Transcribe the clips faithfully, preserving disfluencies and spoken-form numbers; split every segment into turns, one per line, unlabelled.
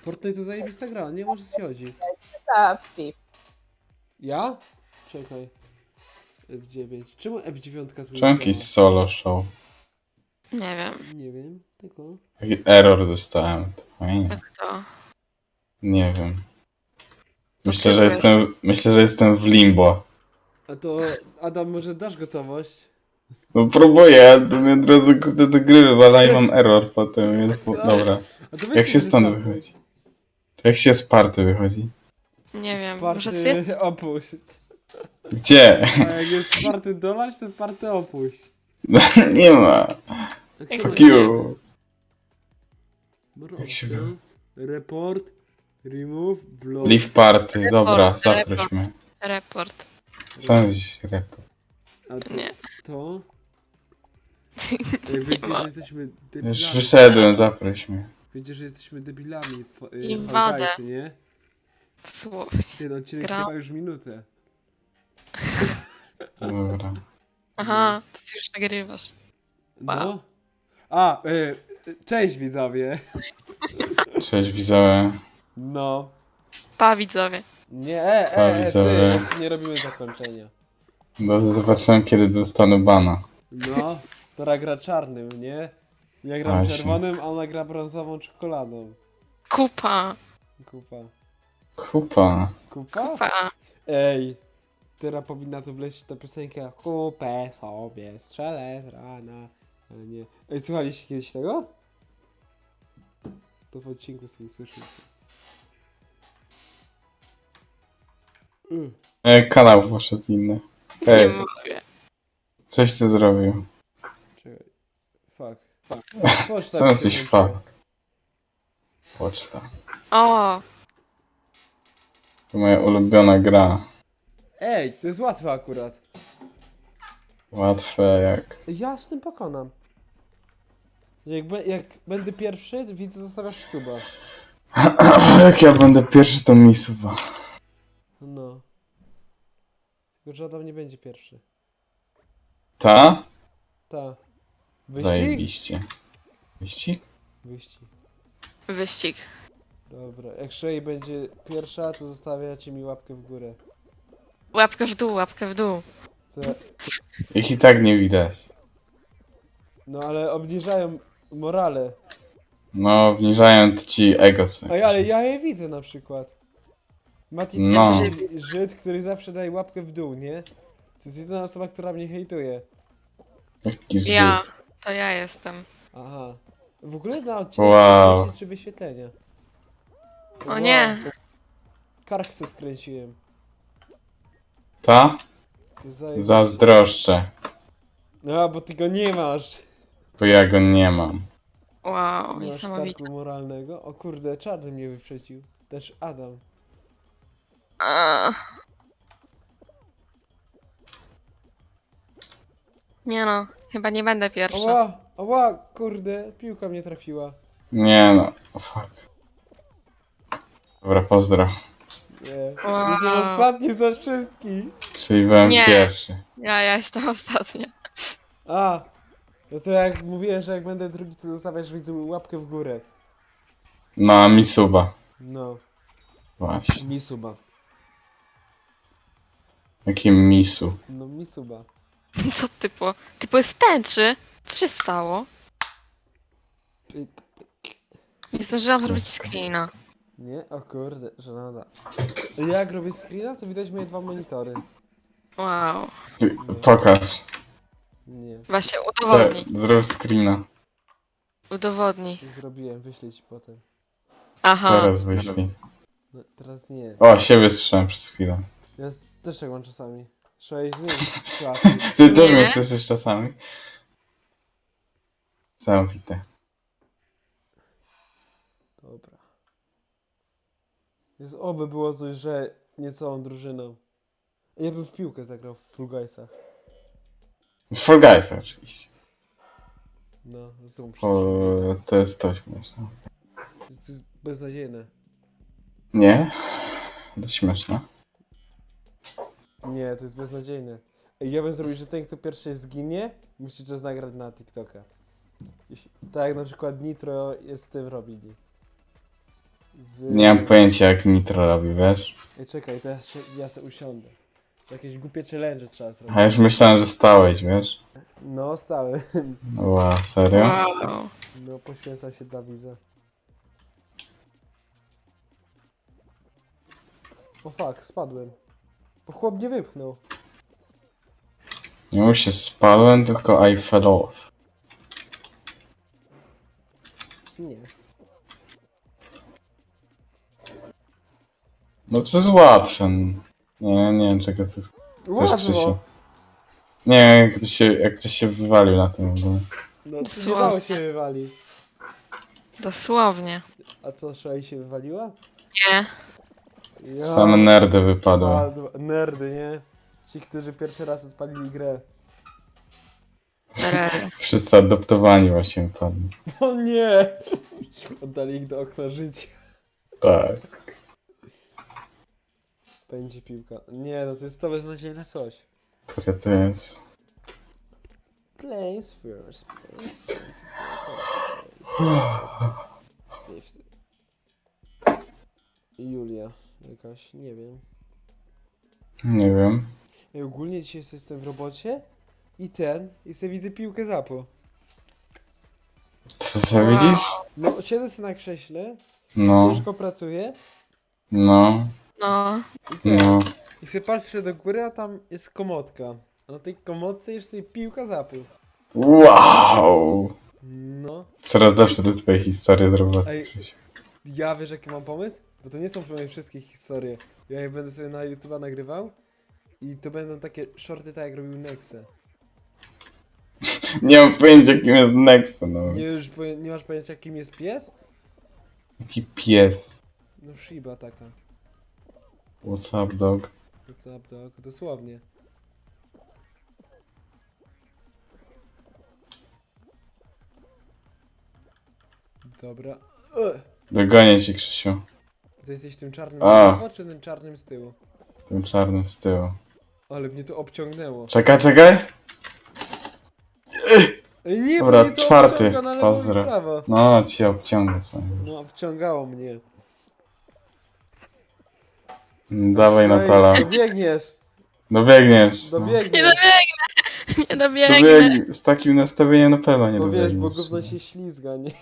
Fortnite to zajebista gra, nie może co ci chodzi.
Ta F.
Ja? Czekaj. F dziewięć. Czemu F dziewięć tu
Czemu
jest?
jakiś solo show?
Nie wiem.
Nie wiem, tylko...
Taki error dostałem. To fajnie.
Jak to?
Nie wiem.
To
Myślę,
ty
że
wiesz.
jestem, myślę, że jestem w limbo.
A to Adam, może dasz gotowość?
No próbuję, to mnie od razu kurde do gry wywala i mam error potem, więc
Co?
dobra.
A to weź
Jak się stąd
wystartuj.
wychodzi? Jak się z party wychodzi?
Nie wiem. Może to
Party
jest...
opuść.
Gdzie?
A jak jest party dolać, to party opuść.
Nie ma.
A
Jak
kto
Fuck
to
you.
More
Jak się
options, report, remove, block.
Leave party, dobra,
Report,
zaproś mnie.
Report.
Co jest dziś report?
A to,
Nie.
to... Jak wiecie,
ma.
że jesteśmy debilami.
Już wyszedłem, zaproś mnie.
Wiecie, że jesteśmy debilami w, w
Inwadę.
Fall Guysy, nie?
Słowie.
Ten odcinek
Gra-
trwa już minutę.
Dobra.
Aha, to ty już nagrywasz.
No.
Wow.
A, y, cześć widzowie.
Cześć widzowie.
No.
Pa widzowie.
Nie, e,
A,
e, e,
widzowie.
ty, nie robimy zakończenia.
No, zobaczyłem kiedy dostanę bana.
No, Tora gra czarnym, nie? Ja gram
Właśnie.
czerwonym, a ona gra brązową czekoladą.
Kupa.
Kupa.
Kupa.
Kupa?
Pa.
Ej, teraz powinna tu wlecieć ta piosenka Kupę sobie strzelę z rana. Ale nie. Ej, słuchaliście kiedyś tego? To w odcinku sobie słyszycie. Y,
E, kanał poszedł inny.
Nie
Ej,
mogę.
coś ty zrobił.
Czekaj. Fuck. Fuck. Poczta
Co
mi
na
się
coś
włączyła.
fuck? Poczta.
O,
To moja ulubiona gra.
Ej, to jest łatwe akurat.
Łatwe jak...
Ja z tym pokonam. Jak, be, jak będę pierwszy, widzę, zostawiasz suba.
Jak ja będę pierwszy, to mi suba.
No. Tylko, że Adam nie będzie pierwszy.
Ta?
Ta. Wyścig?
Zajebiście. Wyścig?
Wyścig.
wyścig.
Dobra, jak Shay będzie pierwsza, to zostawiacie mi łapkę w górę.
Łapkę w dół, łapkę w dół.
To,
Ich i tak nie widać.
no ale obniżają morale.
No, obniżając ci ego sobie.
Ej, ale ja je widzę na przykład. Mati to
No.
jest Żyd, który zawsze daje łapkę w dół, nie? To jest jedyna osoba, która mnie hejtuje.
Jaki Żyd.
Ja. To ja jestem.
Aha. W ogóle na odcinku
Wow.
wow. trzy wyświetlenia.
O nie.
Kark se skręciłem.
Ta?
To zaje-
Zazdroszczę.
No, bo ty go nie masz.
Bo ja go nie mam.
Wow,
Nie masz
niesamowite.
karku moralnego. O kurde, czarny mnie wyprzedził. Też Adam.
A. Nie no, chyba nie będę pierwsza.
Oła, oła, kurde, piłka mnie trafiła.
Nie no. O fuck. Dobra, pozdro.
Nie.
Wow.
Jestem ostatni z nas wszystkich.
Czyli byłem
Nie.
pierwszy.
Ja, ja jestem ostatnia.
A, no to jak mówiłem, że jak będę drugi, to zostawiasz widzom łapkę w górę.
No, a mi suba.
No,
Właśnie.
mi suba.
Jakim misu.
No, mi suba.
Co typo? Typo jest w tęczy? Co się stało?
Pyk.
Nie zdążyłam zrobić screena.
Nie? O kurde, żenada. Jak robię screena, to widać moje dwa monitory.
Wow.
Pokaż.
Nie,
Właśnie
Te,
udowodnij.
zrób screena.
Udowodnij.
zrobiłem, wyślę ci potem.
Aha.
Teraz wyślij.
No, teraz nie.
O, siebie słyszałem przez chwilę.
Ja z- też tak mam czasami. Trzeba jej zmienić sytuację.
Ty też
Nie.
mnie słyszysz czasami? Zamknite.
Dobra. Jest, oby było coś, że nie całą drużyną. Ja bym w piłkę zagrał w Fall Guysach.
For Guys oczywiście.
No, zrób
O, to jest to śmieszne.
To jest beznadziejne.
Nie? To śmieszne.
Nie, to jest beznadziejne. Ej, ja bym zrobił, że ten, kto pierwszy zginie, musi to nagrać na TikToka. Jeśli, tak jak na przykład Nitro jest z tym robili. Z...
Nie mam pojęcia jak Nitro robi, wiesz?
Ej, czekaj, teraz się- ja sobie usiądę. Jakieś głupie challenge trzeba zrobić.
A już myślałem, że stałeś, wiesz?
No, stały.
Ła, serio?
Wow.
No, poświęca się dla widza. O fuck, spadłem. Bo chłop nie wypchnął.
Nie mu się spadłem, tylko I fell off.
Nie.
No to jest łatwe. Nie, nie wiem czego chcesz,
Łatwo.
Krzysiu. Nie wiem jak ktoś się, jak ktoś się wywalił na tym w ogóle.
No, to nie
Słabo.
dało się wywalić.
Dosłownie.
A co, Szaj się wywaliła?
Nie.
Ja...
Same nerdy wypadły.
Spadł- Nerdy, nie? Ci, którzy pierwszy raz odpalili grę.
Rel.
Wszyscy adoptowani właśnie wypadli.
O nie! Oddali ich do okna życia.
Tak.
Będzie piłka. Nie, no to jest to beznadziejne coś.
Które to jest?
Place first. Place. Julia. Jakaś, nie wiem.
Nie wiem.
Ja ogólnie dzisiaj jestem w robocie i ten, i sobie widzę piłkę zapo.
Co co widzisz?
No, siedzę sobie na krześle,
No,
ciężko pracuję
no,
No.
i ten.
no.
I sobie patrzę do góry, a tam jest komodka. A na tej komodce jest sobie piłka zapo.
Wow!
No.
Coraz lepsze te twoje historie z roboty,
Ej.
Krzysiu.
Ja wiesz jaki mam pomysł? Bo to nie są moje wszystkie historie. Ja je będę sobie na YouTube'a nagrywał i to będą takie shorty tak jak robił Nexe.
Nie mam pojęcia kim jest Nexa, no.
Nie, już poje- nie masz pojęcia kim jest pies?
Jaki pies.
No Shiba taka.
What's up, dog?
What's up dog? Dosłownie. Dobra. Ugh.
Dogonię ci, Krzysiu.
Ty jesteś tym czarnym
A.
z lewo, czy tym czarnym z tyłu?
Tym czarnym z tyłu.
Ale mnie to obciągnęło.
Czekaj, czekaj!
Ej, nie,
Dobra,
bo mnie to
czwarty.
obciąga na lewo
Pozdro.
i prawo.
No, ci obciągnę co.
No, obciągało mnie.
Dawaj,
Ej,
Natala.
dobiegniesz,
Dobiegniesz. No.
Nie
dobiegniesz.
dobiegnę. Nie dobiegnę.
Dobieg... Z takim nastawieniem na pewno nie
Bo wiesz, bo
dobiegniesz.
gówno się ślizga, nie?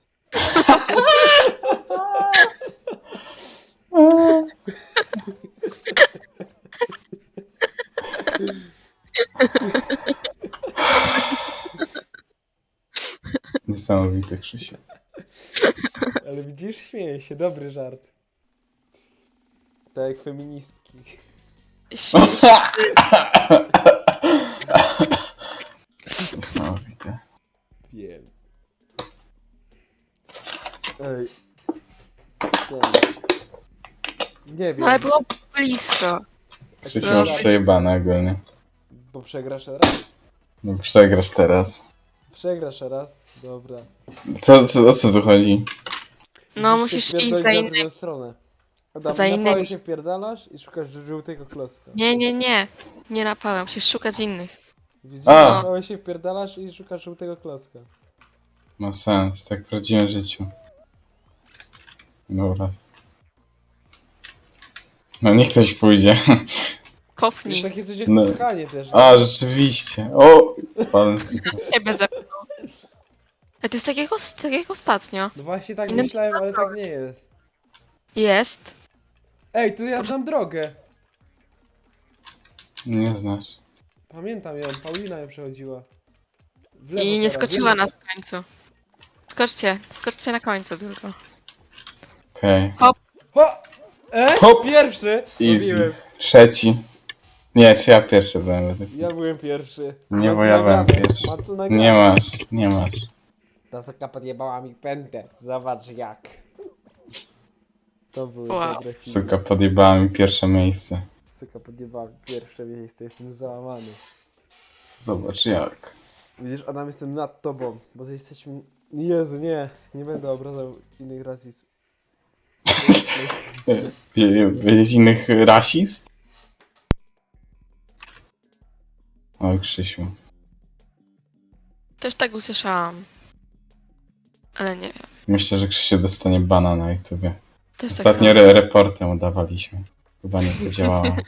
Niesamowity, Krzysiu.
Ale widzisz, śmieje się, dobry żart. Tak jak feministki.
Niesamowity.
Wiem. Ej. Ten. Nie wiem,
No ale było blisko.
Krzysiu masz przejebane ogólnie.
bo przegrasz raz?
No przegrasz teraz.
Przegrasz raz? Dobra.
Co, co, o co tu chodzi?
No
Musisz
musisz
się
iść
wpierdolić
za
na
innymi.
drugą stronę. Adam,
Za
na
innymi.
pałę się wpierdalasz i szukasz żółtego klocka.
Nie, nie, nie. Nie napałem, musisz szukać innych.
Widzisz,
A.
na pałę się wpierdalasz i szukasz żółtego klocka.
Ma sens, tak w prawdziwym życiu. Dobra. No niech ktoś pójdzie.
Jest
Kopnij.
takie coś jak
No.
pchanie też.
A, rzeczywiście. O! Spadłem z tego.
Ciebie zepnął. A to jest tak jak, os- tak jak ostatnio.
No właśnie tak
Innym
myślałem, ale tak nie jest.
Jest.
Ej, tu ja znam drogę.
Nie znasz.
Pamiętam ją, Paulina ją przechodziła. W lewo
I nie
teraz,
skoczyła
w lewo.
nas w końcu. Skoczcie, skoczcie na końcu tylko.
Okej.
Ho! E?
Hop!
Pierwszy!
Easy.
Robiłem.
Trzeci. Nie, czy ja pierwszy byłem według mnie.
Ja byłem pierwszy.
Nie,
Mam
bo
to
ja byłem
nagrane.
pierwszy.
Mam to nagrane.
Nie masz, nie masz.
Ta soka podjebała mi pętę. Zobacz jak. To były
Wow.
dobre filmy.
Suka podjebała mi pierwsze miejsce.
Soka podjebała mi pierwsze miejsce. Jestem załamany.
Zobacz jak.
Widzisz, Adam, jestem nad tobą. Bo ty jesteśmy... Jezu, nie. Nie będę obrażał innych rasizm.
Wie- Wiedzieć innych rasist? Oj, Krzysiu.
Też tak usłyszałam. Ale nie wiem.
Myślę, że Krzysiu dostanie bana na YouTubie.
Też tak
Ostatnio
samo.
re reportem udawaliśmy. Chyba nie podziałało.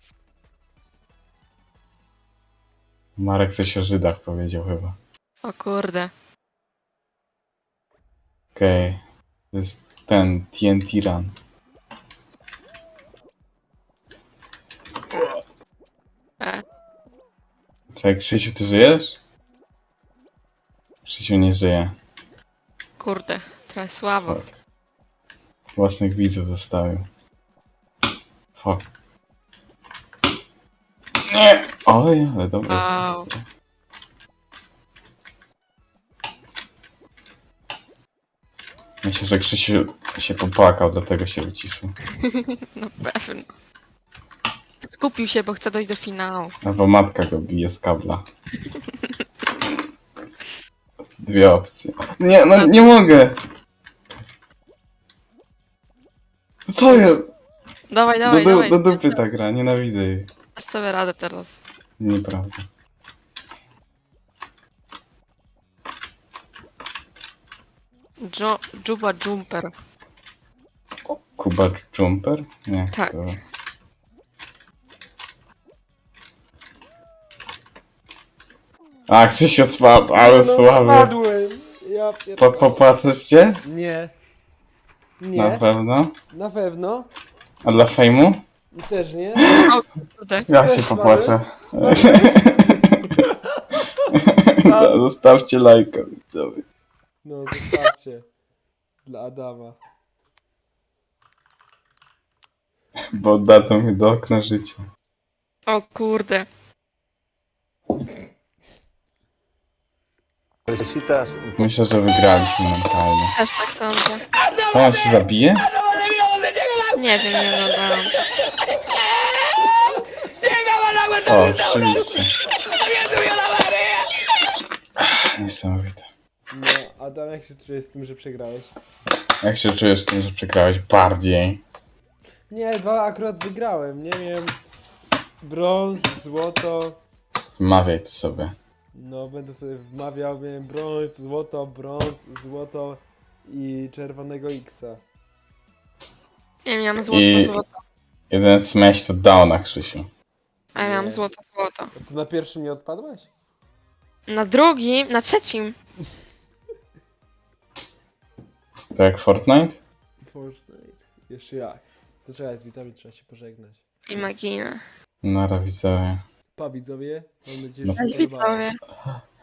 Marek coś o Żydach powiedział chyba.
O kurde.
Okej. Okay. To jest ten T N T Run.
E.
Czekaj, Krzysiu, ty żyjesz? Krzysiu nie żyje.
Kurde. Trochę słabo.
Fuck. Własnych widzów zostawił. Fuck. Nie! Oj, ale dobra
Wow.
jest. Myślę, że Krzysiu się popłakał, dlatego się wyciszył.
No pewnie. Skupił się, bo chce dojść do finału.
Albo matka go bije z kabla. Dwie opcje. Nie, no nie mogę! Co jest?
Dawaj,
Do,
dawaj,
do,
dawaj.
do dupy ta gra, nienawidzę jej.
Dasz sobie radę teraz.
Nieprawda.
Jo Juba Jumper.
Kuba Jumper? Nie.
Tak.
To... A, Krzysiu spadł, ale
no,
słaby.
spadłem. Ja
Po,
pierdolę.
popatrzysz się?
Nie.
Na
Nie,
pewno.
na pewno.
A dla fejmu?
Też nie.
O kurde.
Ja
Też
się
słaby.
popłaczę.
Spadł.
Zostawcie lajka, widzowie.
No, zostawcie. Dla Adama.
Bo oddadzą mnie do okna życia.
O kurde.
Necesitas un
Myślę, że wygraliśmy mentalnie.
Też tak sądzę.
Co, on się zabije?
Nie wiem, nie oglądałam.
O, oczywiście. Niesamowite.
No, Adam, jak się czujesz z tym, że przegrałeś?
Jak się czujesz z tym, że przegrałeś bardziej?
Nie, dwa akurat wygrałem. Nie wiem. Brąz, złoto.
Wmawiaj to sobie.
No, będę sobie wmawiał, miałem brąz, złoto, brąz, złoto i czerwonego X-a.
Nie miałam złoto,
I-
złoto.
Jeden smash to dał na Krzysiu.
A ja miałam
Nie.
złoto, złoto.
A ty na pierwszym nie odpadłaś?
Na drugim, na trzecim.
To jak Fortnite?
Fortnite. Jeszcze jak. To trzeba, z widzami trzeba się pożegnać.
Imagina.
Nara widzowie.
Pa widzowie, mam nadzieję,
No.
że się
Cześć
podobało.
widzowie.